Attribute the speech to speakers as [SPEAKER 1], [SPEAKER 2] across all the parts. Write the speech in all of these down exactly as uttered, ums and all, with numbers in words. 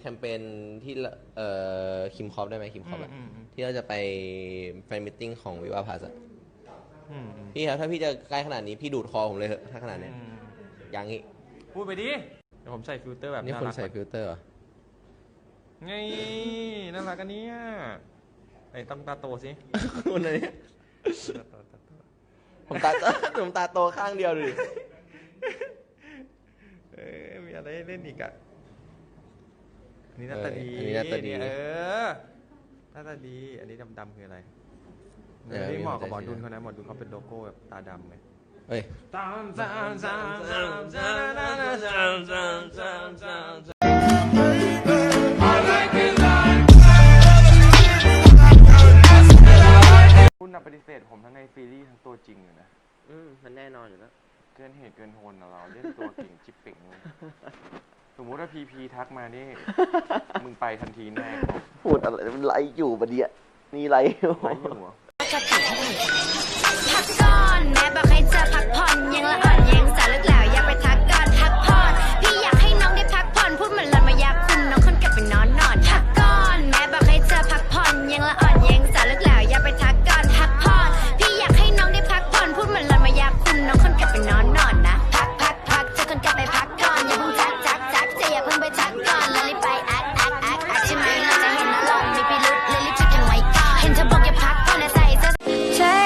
[SPEAKER 1] แคมเปญที่เอ่อคิมคอปได้ไหมคิมคอปอะที่เราจะไปแฟนมิทติ้งของวิวาพาสอะพี่ครับถ้าพี่จะใกล้ขนาดนี้พี่ดูดคอผมเลยเหอะถ้าขนาดนี้อย่างนี้
[SPEAKER 2] พูดไปดิเดี๋ยวผมใส่ฟิลเตอร์แบบ
[SPEAKER 1] นี่คนใส่ฟิลเตอร์เหรอ
[SPEAKER 2] ไงน่ารักกันเนี่ยไอ้ตั้งตาโตสิ
[SPEAKER 1] คนไหนผมตาผมตาโตข้างเดียวดิ
[SPEAKER 2] เออมีอะไรเล่นอีกอ่ะอันนี้หน้าตาดี
[SPEAKER 1] อันนี้หน้าตาดี
[SPEAKER 2] เออหน้าตาดีอันนี้ดำๆคืออะไรนี่เหมาะกับหมอดุลเขานะหมอดุลเขาเป็นโลโก้แบบตาดำไง
[SPEAKER 1] เฮ้ย
[SPEAKER 2] คุณปฏิเสธผมทั้งในซีรีส์ทั้งตัวจริงเลยนะ
[SPEAKER 1] อืมมันแน่นอนอยู่แล้ว
[SPEAKER 2] เกินเหตุเกินโทนเราเล่นตัวเก่งจิบเป่งสมมุติว่าพีพีทักมานี่มึงไปทันทีแน่
[SPEAKER 1] พูดอะไรมันไล่อยู่ปะเดี๋ยนี่ไล่อยู่
[SPEAKER 2] ไล่อยู่เหรอ
[SPEAKER 3] พักก่อนแม่บอกให้เธอพักผ่อนยังละอ่อนยังสาวลึกแล้วอยากไปทักก่อนพักผ่อนพี่อยากให้น้องได้พักผ่อนพูดเหมือนหลันมายาคุมน้องคนกลับไปนอนนอนพักก่อนแม่บอกให้เธอพักผ่อนยังละอ่อนยังสาวลึกแล้วอยากไปทักก่อนพักผ่อนพี่อยากให้น้องได้พักผ่อนพูดเหมือนหลันมายาคุมน้องคนกลับไปนอนนอนนะพักพักพักเธอคนกลับไปพักก่อนอย่าเพิ่งจักจักจักเธออย่าเพิ่งไปทักก่อนแล้วรีบไปอักอักอักอักใช่ไหมเราจะเห็นอารมณ์มีพิรุธเลยรีบจัดกันไว้ก่อนเห็นเธอบอกอย่าพักก่อนนะใส่เสื้อ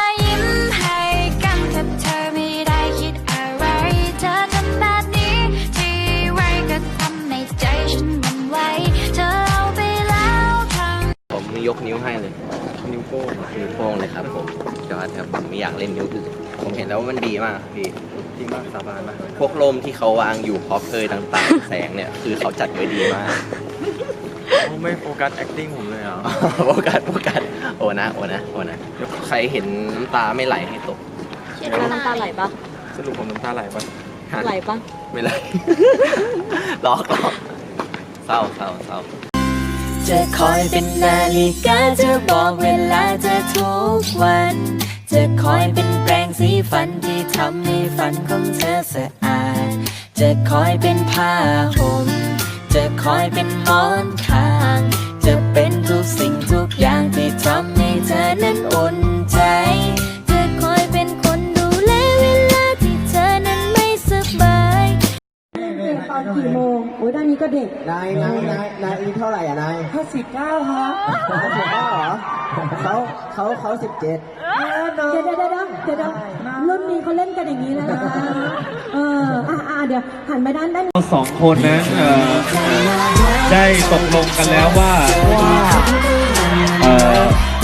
[SPEAKER 1] ยกนิ้วให้เลยนิ้วโป้งนิ้วโป้งเลยครับผมแต่ว่าแต่ผมไม่อยากเล่นนิ้วอื่นผมเห็นแล้วว่ามันดีมากดี
[SPEAKER 2] จริงมากสาบานมาก
[SPEAKER 1] พวกลมที่เขาวางอยู่พร็อพเอยต่างๆแสงเนี่ยคือเขาจัดไว้ดีมาก
[SPEAKER 2] ไม่โฟกัส acting ผมเลยอ่ะ
[SPEAKER 1] โฟกัสโฟกัสโอ้นะโอ้นะโอ้นะใครเห็นน้ำตาไม่ไหลให้ตก
[SPEAKER 4] เห็นน้ำตาไหลปะ
[SPEAKER 2] สรุปผมน้ำตาไหลปะ
[SPEAKER 4] ไหลปะ
[SPEAKER 1] ไม่ไหลหลอกหลอกเศร้าเศร้าเศร้า
[SPEAKER 3] จะคอยเป็นนาฬิกาจะบอกเวลาเธอทุกวันจะคอยเป็นแปรงสีฟันที่ทำให้ฟันของเธอสะอาดจะคอยเป็นผ้าห่มจะคอยเป็นหมอนข้างจะเป็นทุกสิ่งทุกอย่างที่ทำให้เธอนั้นอุ่นใจจะคอยเป็นคนดูแลเวลาที่เธอนั้นไม่สบาย
[SPEAKER 4] ตอนกี่โมงโอ้ยด้านนี้ก็เด็ก
[SPEAKER 5] นายนายนายนายอายุเท่าไหร่อ่ะนาย
[SPEAKER 4] เขาสิบเก้าครับ
[SPEAKER 5] เขาสิบเก้าเหรอเขาเขาเขาสิบเจ็ด
[SPEAKER 4] เดี๋ยวเดี๋ยวเดี๋ยวเดี๋ยวรุ่นนี้เขาเล่นกันอย่างนี้แล้วนะเอออ่ะอ่ะเดี๋ยวหันไปด้านด้าน
[SPEAKER 6] สองคนนั้นได้ตกลงกันแล้วว่าเออ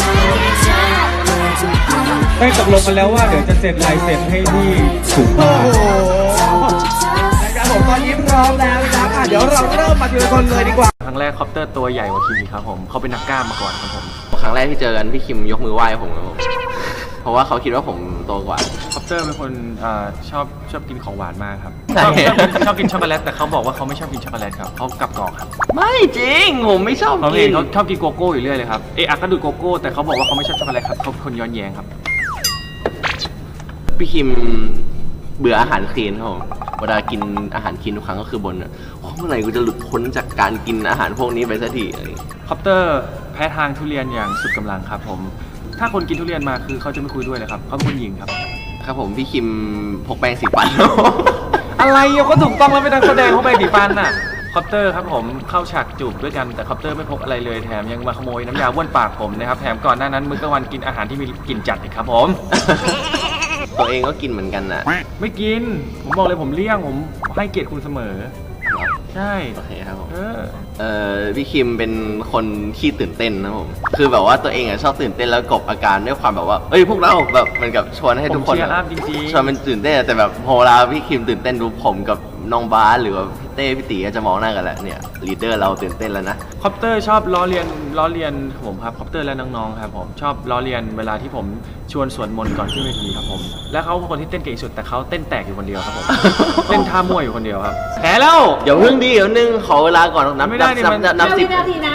[SPEAKER 6] ได้ตกลงกันแล้วว่าเดี๋ยวจะเซ็นลายเซ็นให้ที่ถูกต้อง
[SPEAKER 5] ผมตอนนี้พร้อมแล้วนะครับเดี๋ยวเราเริ่มมาทีละคนเลยดีกว่า
[SPEAKER 2] ครั้งแรกคอปเตอร์ตัวใหญ่กว่าทีครับผมเขาเป็นนักกล้ามมาก่อนครับผม
[SPEAKER 1] ครั้งแรกที่เจอกันพี่คิมยกมือไหว้ผมครับผมเพราะว่าเขาคิดว่าผมโตกว่า
[SPEAKER 2] คอปเตอร์เป็นคนชอบชอบกินของหวานมากครับชอบชอบกินช็อกโกแลตแต่เขาบอกว่าเขาไม่ชอบกินช็อกโกแลตครับเขากลับกรอกครับ
[SPEAKER 1] ไม่จริงผมไม่ชอบ
[SPEAKER 2] กินเขาชอบกินโกโก้อยู่เรื่อยเลยครับเออก็ดูโกโก้แต่เขาบอกว่าเขาไม่ชอบช็อกโกแลตครับเขาคนย้อนแย้งครับ
[SPEAKER 1] พี่คิมเบื่ออาหารคลีนครับผมเวลากินอาหารคลีนทุกครั้งก็คือบนเมื่อไหร่กูจะหลุดพ้นจากการกินอาหารพวกนี้ไปสักที
[SPEAKER 2] คอปเตอร์แพ้ทางทุเรียนอย่างสุดกำลังครับผมถ้าคนกินทุเรียนมาคือเขาจะไม่คุยด้วยเลยครับเขาเป็นคนหญิงครับ
[SPEAKER 1] ครับผมพี่คิมพกแปรงสีฟัน
[SPEAKER 2] อะไรอ่ะก็ถูกต้องแล้วเป็นนักแสดงพกแปรงสีฟันน่ะคอปเตอร์ครับผมเข้าฉากจูบด้วยกันแต่คอปเตอร์ไม่พกอะไรเลยแถมยังมาขโมยน้ำยาบ้วนปากผมนะครับแถมก่อนหน้านั้นมื้อกลางวันกินอาหารที่มีกลิ่นจัดอีกครับผม
[SPEAKER 1] ตัวเองก็กินเหมือนกันนะ
[SPEAKER 2] ไม่กินผมบอกเลยผมเลี่ยงผมให้เกียรติคุณเสมอใช่
[SPEAKER 1] โอเคครับผมเอ่อพี่คิมเป็นคนขี้ตื่นเต้นนะผมคือแบบว่าตัวเองอ่ะชอบตื่นเต้นแล้วกบอาการด้วยความแบบว่าเอ้ยพวกเราแบบมันกับชวนให้ทุกคนชวนมันตื่นเต้นแต่แบบพอเวลาพี่คิมตื่นเต้นดูผมกับน้องบาสหรือว่าพี่เต้พี่ตีจะมองหน้ากันแหละเนี่ยลีดเดอร์เราตื่นเต้นแล้วนะ
[SPEAKER 2] คอปเตอร์ชอบล้อเลียนล้อเลียนผมครับคอปเตอร์และน้องๆครับผมชอบล้อเลียนเวลาที่ผมชวนสวดมนต์ก่อนขึ้นเวทีครับผมและเขาเป็นคนที่เต้นเก่งสุดแต่เขาเต้นแตกอยู่คนเดียวครับผมเต้นท่ามั่วอยู่คนเดียวครับแพ้แล้ว
[SPEAKER 1] เดี๋ยวเพิ่งดีเดี๋ยวนึงขอเวลาก่อนนับ
[SPEAKER 2] ไม่ได้นี่มัน
[SPEAKER 1] นับสิบ
[SPEAKER 4] นาทีนะ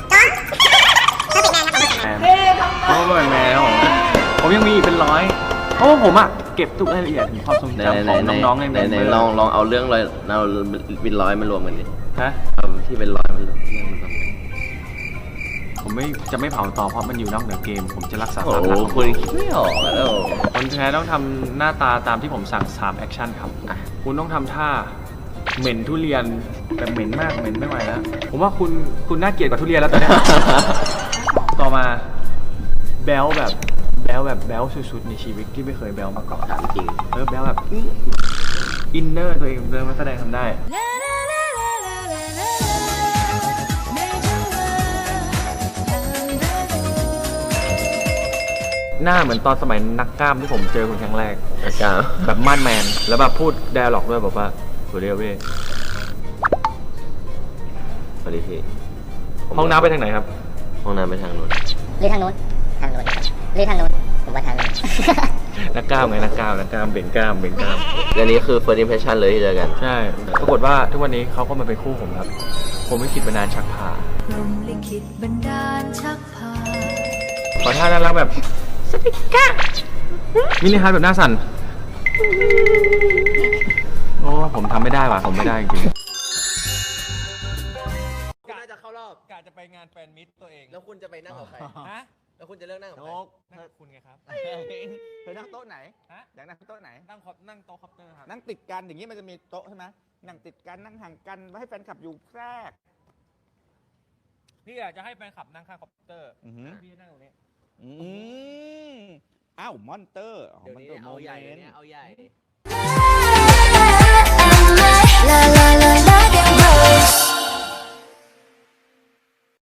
[SPEAKER 2] โอ้ยแมวผมยังมีอีกเป็นร้อยเพราะว่าผมอ่ะเก็บทุกรายละเอียดถึงความทรง
[SPEAKER 1] ไหน
[SPEAKER 2] จำของ
[SPEAKER 1] ไหน
[SPEAKER 2] น้องๆใน
[SPEAKER 1] ไห
[SPEAKER 2] เม
[SPEAKER 1] น
[SPEAKER 2] ม
[SPEAKER 1] ไหน
[SPEAKER 2] เบอร์
[SPEAKER 1] ลองลองเอาเรื่องร้อยเอาวินร้อยมารวมกันดิ
[SPEAKER 2] ฮะ
[SPEAKER 1] เอาที่เป็นร้อยมารวมกัน
[SPEAKER 2] ผมไม่จะไม่เผาต่อเพราะมันอยู่นอกเหนือเกม ผมจะรักษา
[SPEAKER 1] โอ้
[SPEAKER 2] ภาพ
[SPEAKER 1] โห
[SPEAKER 2] ลักษณ์ของ
[SPEAKER 1] คุณคิดไม่ออกแล้ว
[SPEAKER 2] คนแพ้ต้องทำหน้าตาตามที่ผมสั่งสามแอคชั่นครับ คุณต้องทำท่าเหม็นทุเรียนแบบเหม็นมากเหม็นไม่ไหวแล้ว ผมว่าคุณคุณน่าเกลียดกว่าทุเรียนแล้วตอนเนี้ย ต่อมาแบลแบบแบลแบบแบลสุดๆในชีวิตที่ไม่เคยแบลมาก่อน
[SPEAKER 1] ถามจริง
[SPEAKER 2] เออแบลแบบอินเนอร์ตัวเองเดินมาแสดงทำได้ หน้าเหมือนตอนสมัยนักกล้ามที่ผมเจอคุณครั้งแรก
[SPEAKER 1] อาจารย์
[SPEAKER 2] แบบมั่นแมนแล้วแบบพูดไดอะล็อกด้วยแบบว่าโหเรียวเว้ย
[SPEAKER 1] สวัสดีพี่
[SPEAKER 2] ห้องน้ำไปทางไหนครับ
[SPEAKER 1] ห้องน้ำไปทางนู้น
[SPEAKER 7] หรือทางโน้นทางโน้นหรือทางโน้นผมว่าทางโน้น
[SPEAKER 2] นักกล้ามไงนักกล้ามนักกล้ามเบ่งกล้ามเบ่งกล้าม
[SPEAKER 1] และนี้คือ first impression เลยที่เจอกัน
[SPEAKER 2] ใช่ปรากฏว่าทุกวันนี้เขาก็มาเป็นคู่ผมครับ ผมไม่คิดมานานชักพา
[SPEAKER 3] ลมลิขิตบันดาลชักพา
[SPEAKER 2] ขอท่าน่ารักแบบสปิก้ามินิฮาร์ดแบบหน้าสั่นโอ้ผมทำไม่ได้ว่ะผมไม่ได้จริง
[SPEAKER 1] คุณน่าจะเข้ารอบ
[SPEAKER 5] กาจะไปงานแฟนมิตตัวเอง
[SPEAKER 1] แล้วคุณจะไปนั่งกับใคร
[SPEAKER 5] ฮะ
[SPEAKER 1] แล้วคุณจะเลือกนั่งกับใคร
[SPEAKER 5] นั่งกับคุณไงครับ
[SPEAKER 8] เธอนั่งโต๊ะไหน
[SPEAKER 5] ฮะ
[SPEAKER 8] อยากนั่งโต๊ะไหน
[SPEAKER 5] นั่งคอปนั่งโต๊ะคอปเตอร์ครับ
[SPEAKER 8] นั่งติดกันอย่างนี้มันจะมีโต๊ะใช่ไหมนั่งติดกันนั่งห่างกันไว้ให้แฟนคลับอยู่แทรก
[SPEAKER 5] พี่อยากจะให้แฟนคลับนั่งข้างคอปเตอร์
[SPEAKER 8] อือหือ
[SPEAKER 5] พี่นั่งตรงนี้
[SPEAKER 8] อืมอ้าวมอนเตอร์อ๋อ
[SPEAKER 1] เดี๋ยวนี้
[SPEAKER 8] Monster
[SPEAKER 1] เอาใหญ่เดี๋ยว
[SPEAKER 8] Moment
[SPEAKER 1] นี้เอาใหญ่
[SPEAKER 3] La la la la la